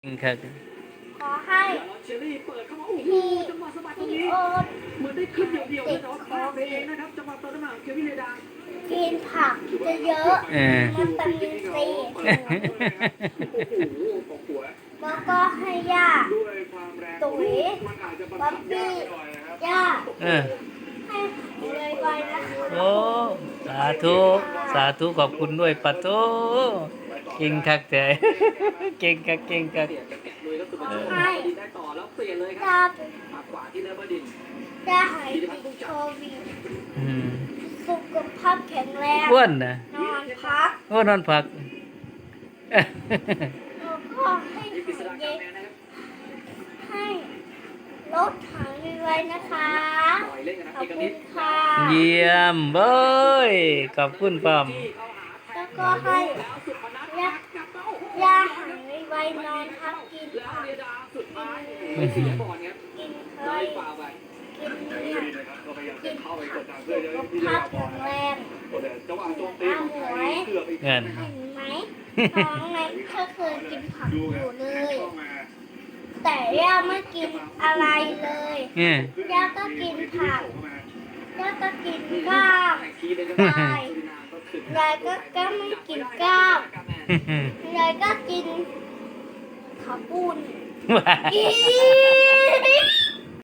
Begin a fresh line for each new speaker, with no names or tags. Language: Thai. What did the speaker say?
ครับ
ขอให้
เชอรี่เปิดเข้ามาโอ้โห
พี่
จังหวะสะบัดตรง
พี่
นี้
โอ๊ต
เหมือนได้ขึ้นเดี่ยวๆเลยแต่ว่าพลาดไปเองนะครับจังหวะเติมน้ำมันเควินเลดา
กินผักเยอะๆมันตามินซี
โอ้โหของหัว
แล้วก็ให้ย่า
ด้วยความแรง
ตุ๋ย
มันอาจจะ
บ๊อบบี้
หน่อยนะครับ
ย่า
เออ
ให้เลยไวๆนะคะ
โอ้สาธุสาธุขอบคุณด้วยปัตโตเก่งคักแต่เก่งคักเก่งคัก
เปลี่ยนจากแกะลุยก็คือมาช่วยดินได้ต่อแล้วเปลี่ยนเลยค
ย่า
รับมาขวาที่เนเบอร์ดิน
ย่าหายติดโควิด
อืม
สุขภาพแข็งแรง
อ้วนนะ
นอนพัก
โอ้นอนพัก
แล้วก็ให้
ยิปปิส
หา
ระ
ย
กาแมนนะครับ
ให้รถหายไวๆนะคะ
ปล่อยเล่นกันนะ
ขอบ
เอก
คุ
นิ
ณ
ด
ค่ะ
เยี่ยมเบ้ยขอบคุณป้อม
แล้วก็ให้
แล้วสุพนัทกลับมาโอ้โห
ย่าหายไวๆนอนพักกิน
แล้ว
ผัก
เรียดาสุดท้ายไม่เสียบอลครับ
กินเค
ได้
ย
ฝ่าไป
กินเนี่ย
ก็พยายาม
กิ
จะ
น
เข้าไป
ผั
ก
ก
ดดัน
สุ
เพื่อจะ
ข
ที่จะ
ภาพ
บอ
แข็
ล
ง
นะ
แรง
จังหวะโจมตีของไทยเกือบอีก
เงิน
เห็นไหมน้องเน็กก็เคยกินผักอยู่เลย แต่ย่าไม่กินอะไรเลย
เนี่ย
ย่าก็กินผักย่าก็กินก้าว
ทีเดียว
ยายยายก็ไม่กินก้าวยายก็กินข้าวปุ้น
ว้า
อี